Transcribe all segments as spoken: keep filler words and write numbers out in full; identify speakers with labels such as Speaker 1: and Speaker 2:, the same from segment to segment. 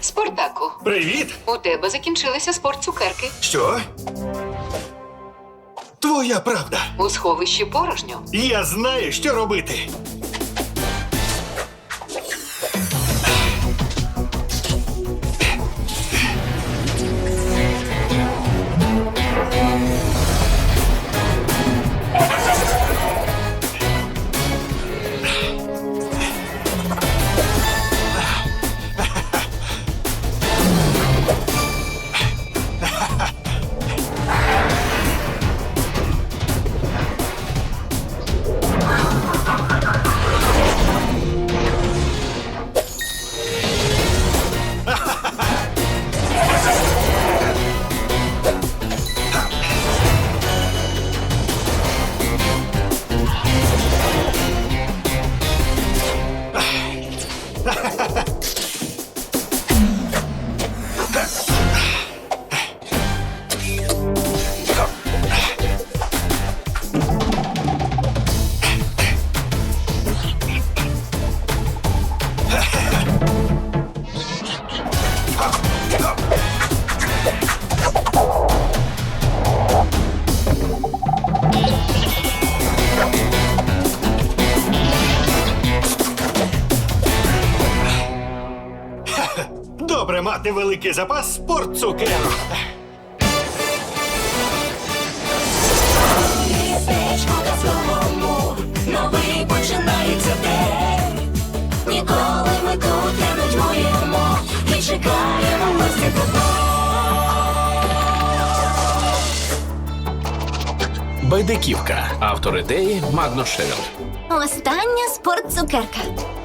Speaker 1: Спартаку,
Speaker 2: Привіт!
Speaker 1: у тебе закінчилися спортцукерки.
Speaker 2: Що? Твоя правда.
Speaker 1: У сховищі порожньо.
Speaker 2: Я знаю, що робити. Добре мати великий запас спортцукерок.
Speaker 3: Містечко казковому, новий починається день. Ніколи ми тут не нудьгуємо і чекаємо гості тебе.
Speaker 4: Байдиківка. Автор ідеї Магнус Шевел.
Speaker 5: Остання спортцукерка.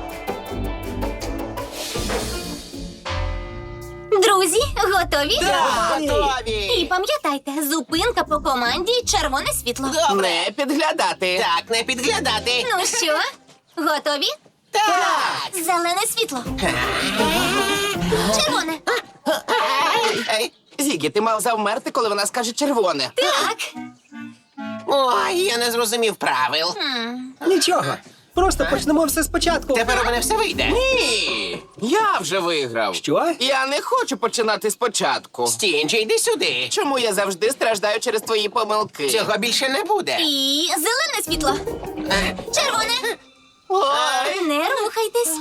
Speaker 5: Друзі, готові?
Speaker 6: Готові!
Speaker 5: І пам'ятайте, зупинка по команді «Червоне світло».
Speaker 6: Не підглядати. Так, не підглядати.
Speaker 5: Ну що, готові?
Speaker 6: Так!
Speaker 5: Зелене світло. Червоне.
Speaker 6: Ей, Зігі, ти мав завмерти, коли вона скаже червоне.
Speaker 5: Так.
Speaker 7: Ой, я не зрозумів правил.
Speaker 8: Нічого. Просто почнемо все спочатку.
Speaker 7: Тепер у мене все вийде.
Speaker 6: Ні! Я вже виграв.
Speaker 8: Що?
Speaker 6: Я не хочу починати спочатку.
Speaker 7: Стінджі, йди сюди.
Speaker 6: Чому я завжди страждаю через твої помилки?
Speaker 7: Цього більше не буде.
Speaker 5: І зелене світло. Червоне.
Speaker 6: Ой!
Speaker 5: Не рухайтесь.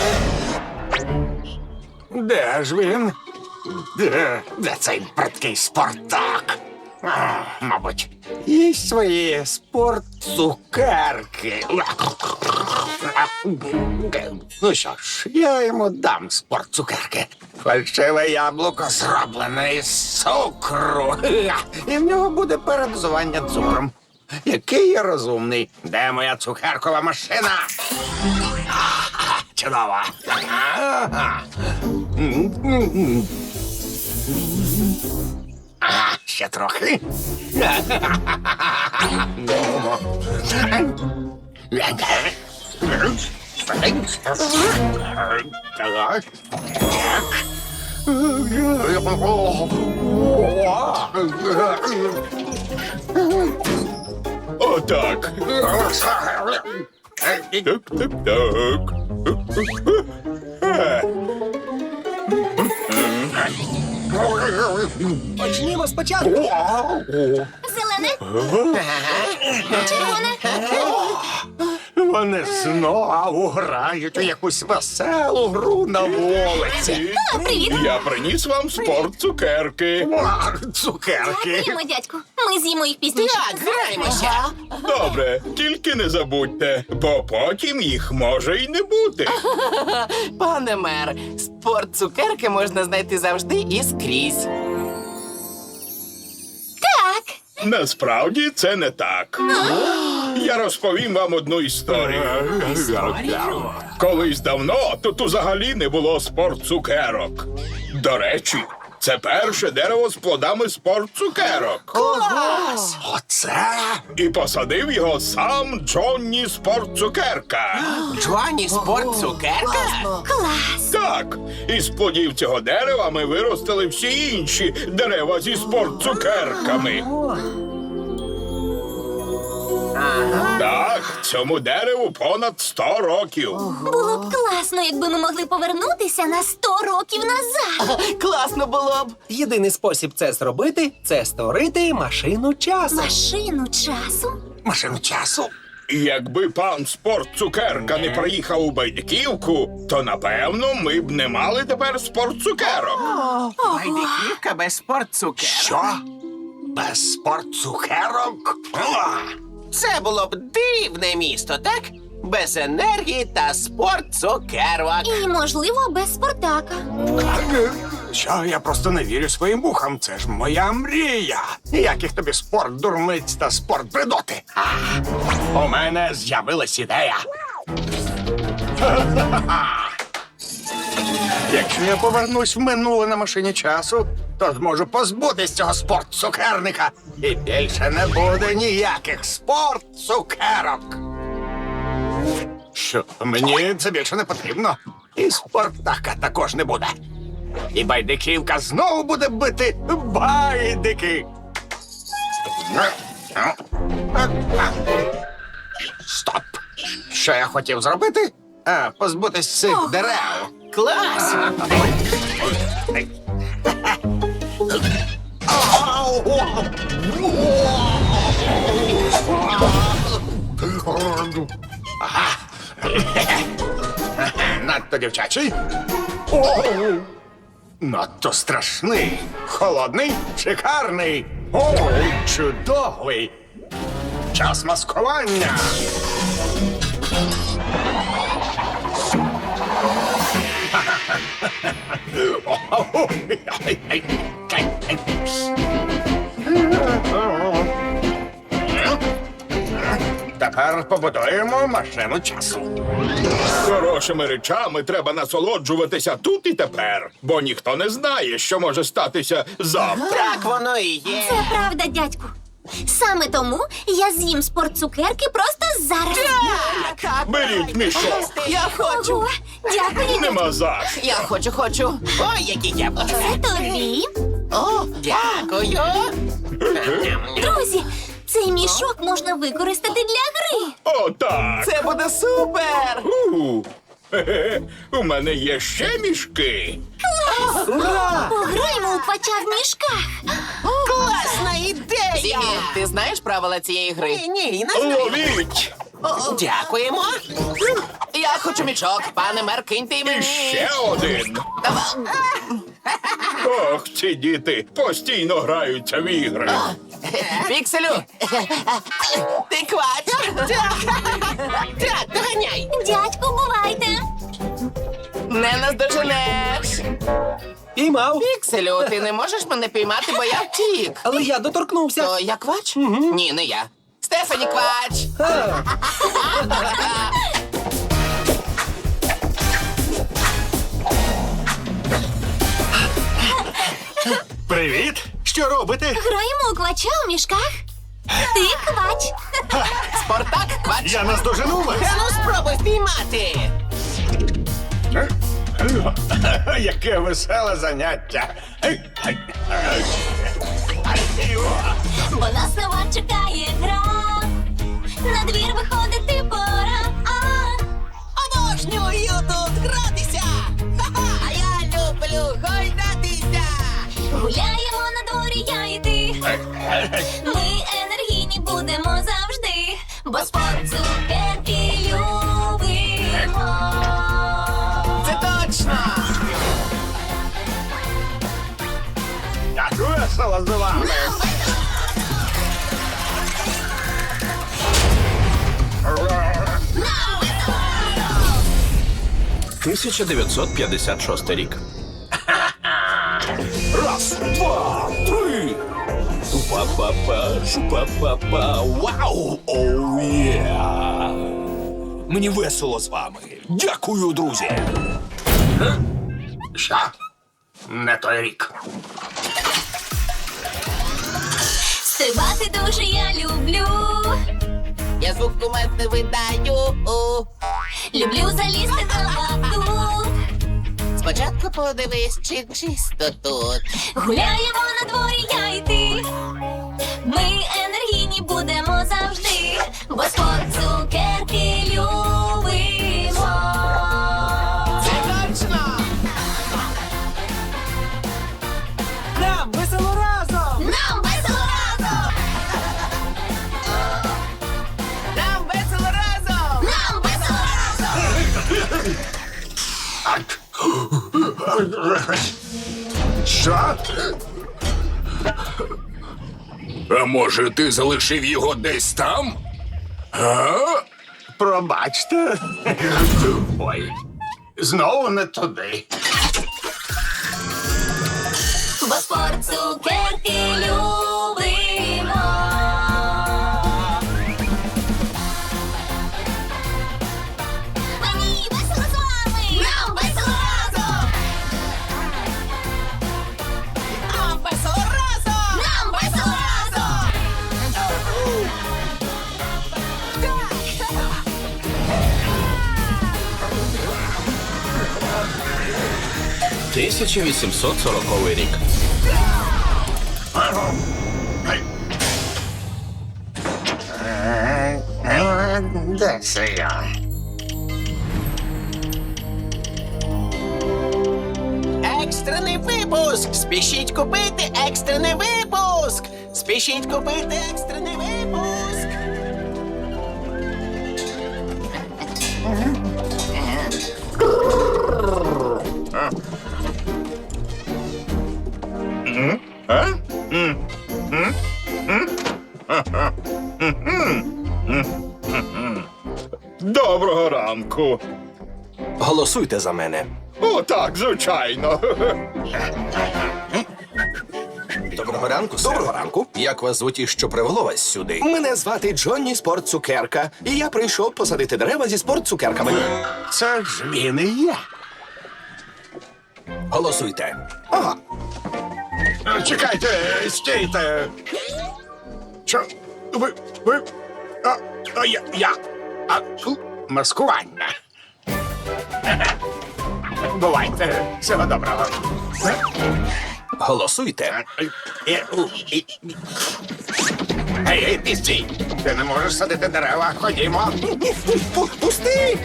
Speaker 2: Де ж він? Де? Де цей бридкий Спартак? А, мабуть, їсть свої спортцукерки. Ну що ж, я йому дам спортцукерки. Фальшиве яблуко зроблене із цукру. І в нього буде передозування цукром. Який я розумний. Де моя цукеркова машина? А, чудово. Ага. А, ще трохи. Отак. Так-так-так.
Speaker 8: Почнімо спочатку.
Speaker 5: Зелене. Червоне.
Speaker 2: Вони знову грають у якусь веселу гру на вулиці.
Speaker 5: О, привіт.
Speaker 2: Я приніс вам спортцукерки. Цукерки.
Speaker 5: Дякуємо, дядьку. Ми з'їмо їх пізніше.
Speaker 7: Так, граємося.
Speaker 2: Добре, тільки не забудьте, бо потім їх може й не бути.
Speaker 6: Пане мер, спортцукерки можна знайти завжди і скрізь.
Speaker 5: Так.
Speaker 2: Насправді це не так. Я розповім вам одну історію. Колись давно тут взагалі не було спортцукерок. До речі, це перше дерево з плодами спортцукерок.
Speaker 7: Клас!
Speaker 2: Оце? І посадив його сам Джонні Спортцукерка.
Speaker 7: Джоанні спортцукерка?
Speaker 5: Клас.
Speaker 2: Так, із плодів цього дерева ми виростили всі інші дерева зі спортцукерками.
Speaker 9: Так, цьому дереву понад сто років.
Speaker 5: Було б класно, якби ми могли повернутися на сто років назад.
Speaker 6: Класно було б.
Speaker 8: Єдиний спосіб це зробити це створити машину часу.
Speaker 5: Машину часу.
Speaker 2: Машину часу.
Speaker 9: Якби пан Спорт Цукерка не приїхав у Байдиківку, то напевно ми б не мали тепер спорт цукерок.
Speaker 7: Байдиківка без спортцукерок.
Speaker 2: Що? Без спортцукерок? О!
Speaker 7: Це було б дивне місто, так? Без енергії та спортцукерок.
Speaker 5: І, можливо, без Спартака.
Speaker 2: Що, я просто не вірю своїм вухам. Це ж моя мрія. Ніяких тобі спорт дурниць та спорт бредоти. А, у мене з'явилась ідея. Якщо я повернусь в минуле на машині часу, то зможу позбутись цього спорт-цукерника. І більше не буде ніяких спорт-цукерок. Що, мені це більше не потрібно. І Спартака також не буде. І Байдиківка знову буде бити байдики. Стоп! Що я хотів зробити? А, позбутись цих дерев.
Speaker 7: Клас!
Speaker 2: Надто дівчачий. О! Надто страшний. Холодний, шикарний. О, чудовий. Час маскування. Тепер побудуємо машину часу.
Speaker 9: Хорошими речами треба насолоджуватися тут і тепер, бо ніхто не знає, що може статися завтра.
Speaker 7: Так воно і є.
Speaker 5: Це правда, дядьку. Саме тому я з'їм спортцукерки просто зараз.
Speaker 6: Так,
Speaker 9: Беріть мішок.
Speaker 6: я хочу.
Speaker 5: Ого, дякую.
Speaker 9: Нема за що.
Speaker 6: Я хочу, хочу.
Speaker 7: Ой, які яблука.
Speaker 5: Це тобі.
Speaker 7: О, дякую.
Speaker 5: Друзі, цей мішок можна використати для гри.
Speaker 9: О, так.
Speaker 6: Це буде супер.
Speaker 9: У, хе-хе. У мене є ще мішки.
Speaker 5: Пограємо у квача в мішках.
Speaker 7: Класна ідея!
Speaker 6: Зімі, ти знаєш правила цієї гри?
Speaker 7: Ні, ні, не знаю.
Speaker 9: Ловіть!
Speaker 7: Дякуємо.
Speaker 6: Я хочу мішок, пане мер, киньте й
Speaker 9: І
Speaker 6: мені.
Speaker 9: ще один.
Speaker 6: Давай.
Speaker 9: Ох, ці діти постійно граються в ігри.
Speaker 6: Пікселю. Ти квач.
Speaker 7: Так, доганяй.
Speaker 5: Дядьку, бувайте.
Speaker 6: Не наздоженеш.
Speaker 8: Піймав.
Speaker 6: Пікселю, ти не можеш мене піймати, бо я втік.
Speaker 8: Але я доторкнувся.
Speaker 6: То я квач? Ні, не я. Стефані квач.
Speaker 8: А,
Speaker 2: Привіт! Що робите?
Speaker 5: Граємо у квача у мішках. Ти квач.
Speaker 6: Спартак квач.
Speaker 2: Я наздожену вас!
Speaker 7: Та ну спробуй впіймати.
Speaker 2: Яке веселе заняття!
Speaker 5: Бо нас нова чекає гра. На двір виходити пора. А,
Speaker 7: Обожнюю тут гратися. Ха-ха, а я люблю гойдатися.
Speaker 5: гуляємо на дворі, я і ти. Ми енергійні будемо завжди, бо спорт цукерки любимо.
Speaker 6: Це точно.
Speaker 2: Як весело з вами!
Speaker 4: тисяча дев'ятсот п'ятдесят шостий рік.
Speaker 2: Раз, два, три!
Speaker 4: Па-па-па, шу-па-па-па, вау, оу, є. Мені весело з вами. Дякую, друзі.
Speaker 2: Що? Не той рік.
Speaker 5: Стрибати дуже я люблю.
Speaker 6: Я звук кумет не видаю.
Speaker 5: Люблю залізти на батут.
Speaker 6: Спочатку подивись, чи чисто тут.
Speaker 5: Гуляємо на дворі, я і ти. Ми енергійні будемо завжди, бо
Speaker 2: Що?
Speaker 4: А може, ти залишив його десь там? А?
Speaker 2: Пробачте. Ой, знову не туди.
Speaker 3: Бо спорт цукерки любимо. Мені весело з вами! Нам весело разом! Нам весело разом! Нам весело разом!
Speaker 4: тисяча вісімсот сороковий рік.
Speaker 2: Де це я?
Speaker 7: Екстрений випуск! Спішіть купити екстрений випуск! Спішіть купити екстрений випуск!
Speaker 9: Доброго ранку.
Speaker 4: Голосуйте за мене.
Speaker 9: О, так, звичайно.
Speaker 4: Доброго ранку, Доброго ранку. Як вас звуть і що привело вас сюди?
Speaker 10: Мене звати Джонні Спорт Цукерка, і я прийшов посадити дерева зі спорт цукерками.
Speaker 2: Це ж він і є.
Speaker 4: Голосуйте.
Speaker 10: Ага,
Speaker 2: Чекайте, стійте. Що? Ви. Ви. А, а я. я. А, у, маскування. Бувайте. Всього доброго.
Speaker 4: Голосуйте.
Speaker 2: Е, у, і- Гей, гей, ти стій. Ти не можеш садити дерева. Ходімо.
Speaker 10: Пу- пусти!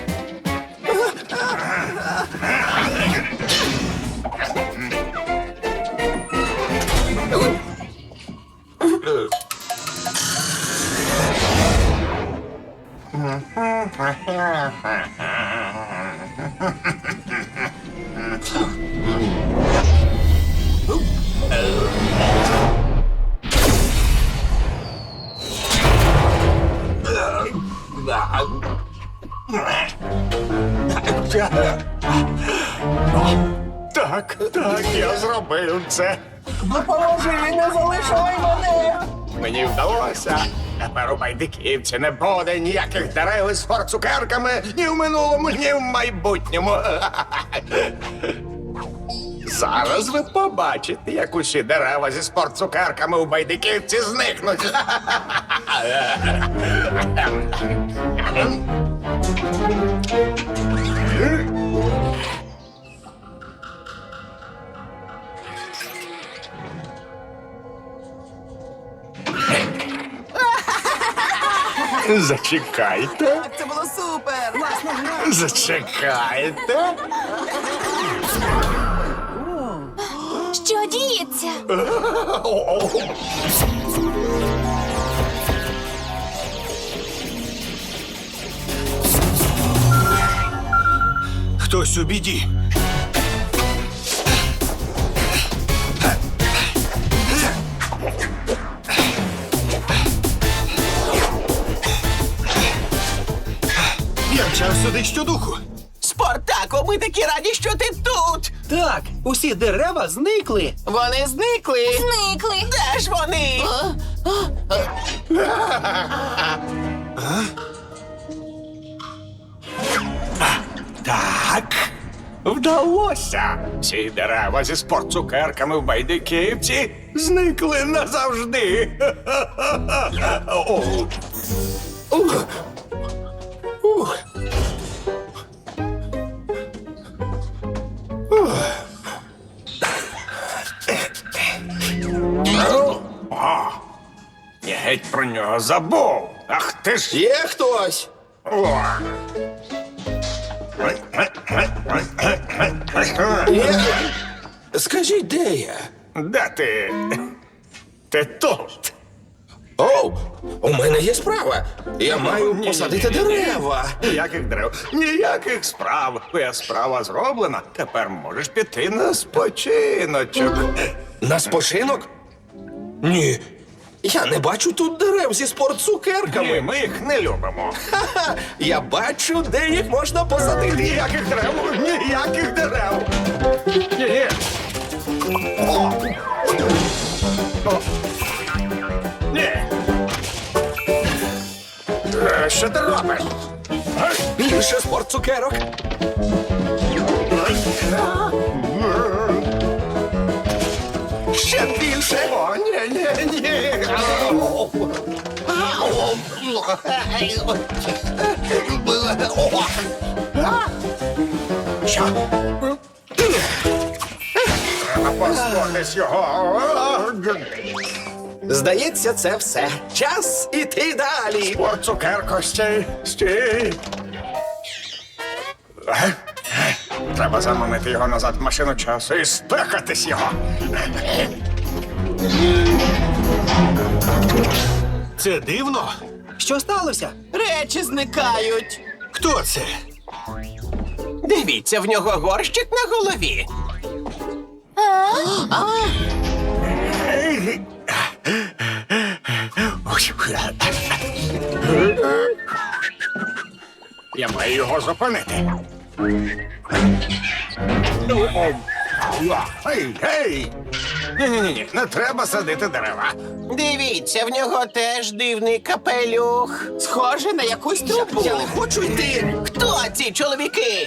Speaker 2: Так, так, я зробив це.
Speaker 6: Допоможи, не залишай мене!
Speaker 2: Мені вдалося. Тепер у байдиківці не буде ніяких дерев із форцукерками ні в минулому, ні в майбутньому. Зараз ви побачите, як усі дерева зі спортцукерками у байдиківці зникнуть. Зачекайте.
Speaker 6: Це було супер!
Speaker 2: Зачекайте.
Speaker 5: Що діється?
Speaker 10: Хтось у біді. Я мчав сюди щодуху.
Speaker 7: Спартако, ми такі раді, що ти тут!
Speaker 8: Так, усі дерева зникли.
Speaker 6: Вони зникли!
Speaker 5: Зникли.
Speaker 7: Де ж вони?
Speaker 2: Так, вдалося. Ці дерева зі спортцукерками в байдиківці зникли назавжди. О. Ух. Ух. О, я геть про нього забув. Ах ти ж
Speaker 10: Є хтось?
Speaker 2: О.
Speaker 10: Скажіть, де я?
Speaker 2: Де ти? Ти тут.
Speaker 10: Оу, у мене є справа. Я маю посадити дерева.
Speaker 2: Ніяких дерев, ніяких справ. Твоя справа зроблена. Тепер можеш піти на спочиночок.
Speaker 10: На спочинок? Ні. Я не бачу тут дерев зі
Speaker 2: Ні,
Speaker 10: спортцукерками.
Speaker 2: ми їх не любимо.
Speaker 10: Ха-ха! Я бачу, де їх можна посадити.
Speaker 2: Ніяких дерев, ніяких дерев. Ні-ні. О! О! Ні. Е, Що ти робиш?
Speaker 10: Більше спортцукерок. Ще більше.
Speaker 2: О, ні, ні, ні. Що? Треба позбутись його.
Speaker 10: Здається, це все. Час іти далі.
Speaker 2: О, цукерко, стій, стій. Е? Треба заманити його назад в машину часу і спекатись його.
Speaker 8: Це дивно. Що сталося?
Speaker 6: Речі зникають.
Speaker 8: Хто це?
Speaker 7: Дивіться, в нього горщик на голові.
Speaker 2: Я маю його зупинити. Гей, гей! Ні-ні-ні, не треба садити дерева.
Speaker 7: Дивіться, в нього теж дивний капелюх.
Speaker 6: Схоже на якусь трубу.
Speaker 7: Я не хочу йти. Хто ці чоловіки?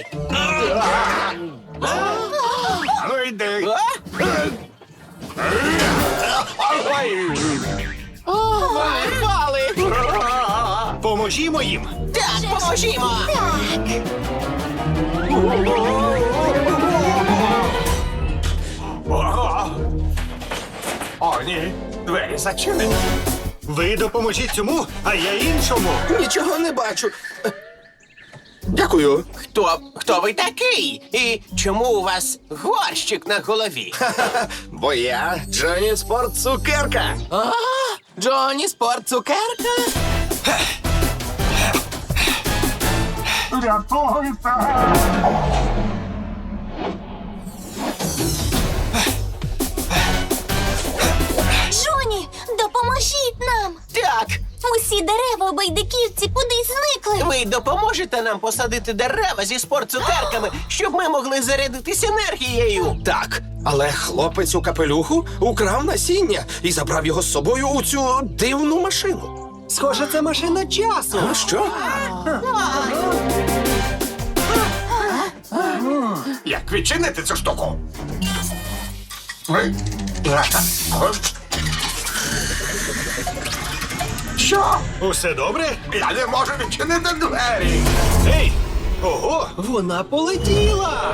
Speaker 2: Ну йди.
Speaker 6: О, вони впали.
Speaker 8: Поможімо їм.
Speaker 7: Так, поможімо.
Speaker 2: О, О, ні, двері зачинені.
Speaker 8: Ви допоможіть цьому, а я іншому.
Speaker 10: Нічого не бачу. Дякую.
Speaker 7: Хто, хто ви такий? І чому у вас горщик на голові?
Speaker 10: Ха-ха, бо я Джоні Спортцукерка.
Speaker 6: А, Джоні спортцукерка?
Speaker 5: Джоні, допоможіть нам!
Speaker 7: Так,
Speaker 5: Усі дерева у байдиківці кудись зникли.
Speaker 7: ви допоможете нам посадити дерева зі спортцукерками, щоб ми могли зарядитись енергією.
Speaker 10: Так, але хлопець у капелюху украв насіння і забрав його з собою у цю дивну машину.
Speaker 8: Схоже, це машина часу.
Speaker 10: А що?
Speaker 2: Як відчинити цю штуку? Що?
Speaker 8: Усе добре?
Speaker 2: Я не можу відчинити двері.
Speaker 8: Ей! Ого, вона полетіла!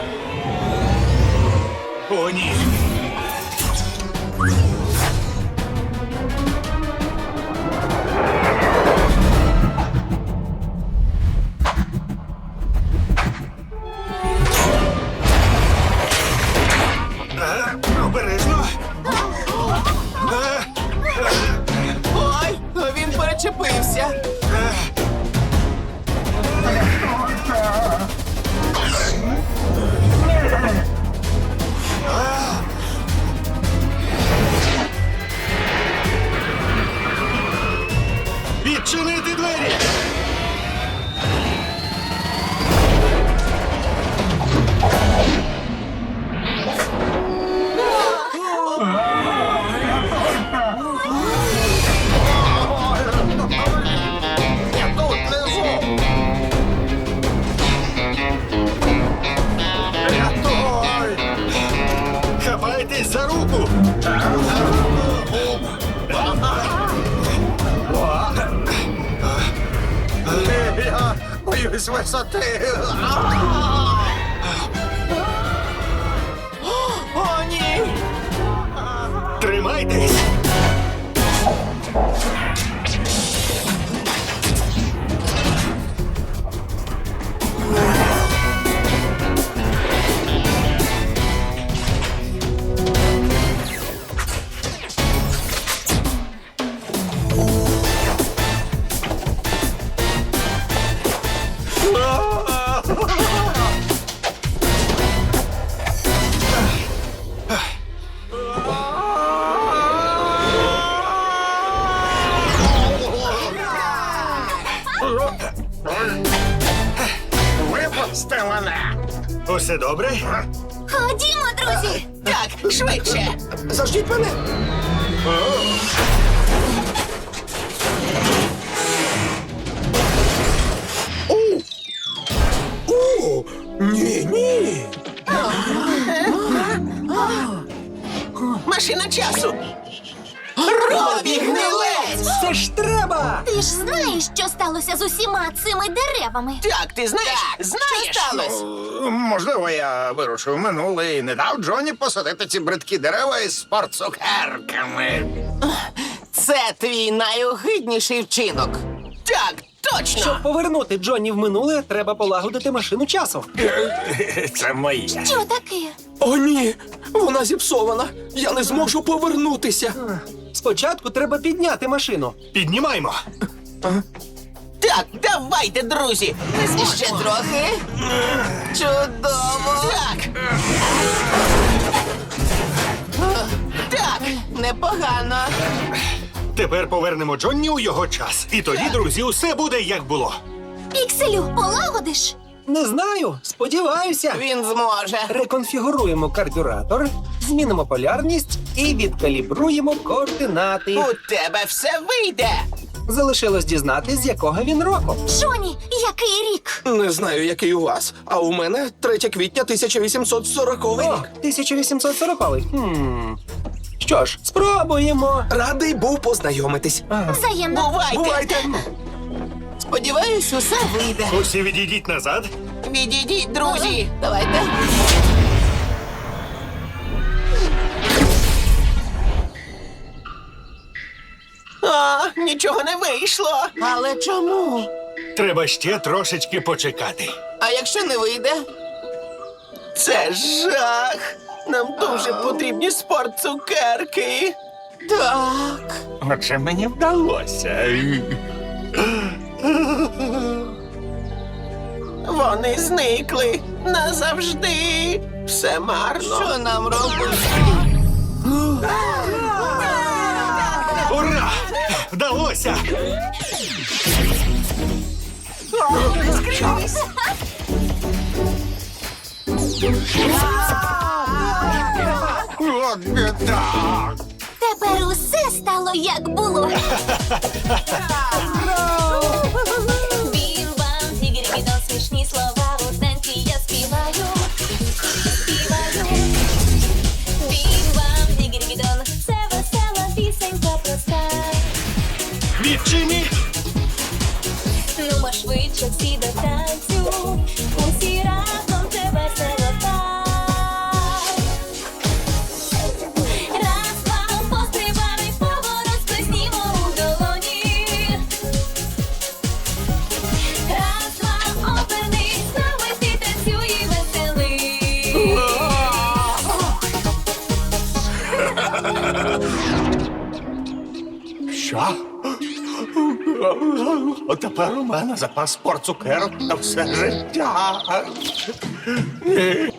Speaker 8: О, ні. А, обережно. А,
Speaker 6: Ой, він перечепився.
Speaker 8: відчинити двері!
Speaker 2: Я тут внизу. Рятуй!
Speaker 8: Хапайтесь за руку!
Speaker 2: Я боюсь висоти.
Speaker 6: О, ні!
Speaker 8: Тримайтесь! Усе добре?
Speaker 5: Ходімо, друзі!
Speaker 7: Так, швидше.
Speaker 10: Заждіть мене. О! О! Ні, ні.
Speaker 7: Машина часу. Робі Гнилець!
Speaker 8: Це ж треба!
Speaker 5: Ти ж знаєш, що сталося з усіма цими деревами.
Speaker 7: Так, ти знаєш? Знаєш?
Speaker 6: Що сталося?
Speaker 2: Можливо, я вирушив в минуле і не дав Джоні посадити ці бридкі дерева із спортцукерками.
Speaker 6: Це твій найогидніший вчинок.
Speaker 7: Так, точно.
Speaker 8: Щоб повернути Джонні в минуле, треба полагодити машину часу.
Speaker 2: Це моє.
Speaker 5: Що таке?
Speaker 10: О, ні. Вона зіпсована. Я не зможу повернутися.
Speaker 8: Спочатку треба підняти машину. Піднімаймо.
Speaker 7: Так, давайте, друзі.
Speaker 6: Ще трохи. Чудово.
Speaker 7: Так. Так.
Speaker 6: Непогано.
Speaker 8: Тепер повернемо Джонні у його час. І тоді, друзі, усе буде як було.
Speaker 5: Пікселю, полагодиш?
Speaker 8: Не знаю, сподіваюся.
Speaker 6: Він зможе.
Speaker 8: Реконфігуруємо карбюратор, змінимо полярність і відкалібруємо координати.
Speaker 7: У тебе все вийде.
Speaker 8: Залишилось дізнатись, з якого він року.
Speaker 5: Джоні, який рік?
Speaker 10: Не знаю, який у вас, а у мене третє квітня тисяча вісімсот сороковий
Speaker 8: О,
Speaker 10: рік.
Speaker 8: тисяча вісімсот сороковий. Хм. Що ж, спробуємо.
Speaker 10: Радий був познайомитись.
Speaker 5: Взаємно.
Speaker 7: Бувайте.
Speaker 10: Бувайте.
Speaker 6: Сподіваюсь, усе вийде.
Speaker 8: Усі відійдіть назад.
Speaker 7: Відійдіть, друзі.
Speaker 6: Давайте.
Speaker 7: А, нічого не вийшло.
Speaker 6: Але чому?
Speaker 8: Треба ще трошечки почекати.
Speaker 6: А якщо не вийде?
Speaker 7: Це жах. Нам дуже потрібні спортцукерки.
Speaker 6: Так.
Speaker 2: Оце мені вдалося.
Speaker 7: Вони зникли назавжди. Все марно.
Speaker 6: Що нам робити?
Speaker 8: Ура! Вдалося!
Speaker 2: От біда.
Speaker 5: Тепер усе стало як було. Бім-бам, тігрі-гідон, смішні слова у танці я співаю. Співаю. Бім-бам, тігрі-гідон, це весела пісенька проста.
Speaker 8: Відчині!
Speaker 5: Нумо швидше всі до танцю, усі разом це весело так. Раз, два, пострибали, поворот сплеснімо у долоні. Раз, два, обернись, з нами ти танцюй і веселий.
Speaker 2: Що? От тепер у мене запас спортцукерок на все життя.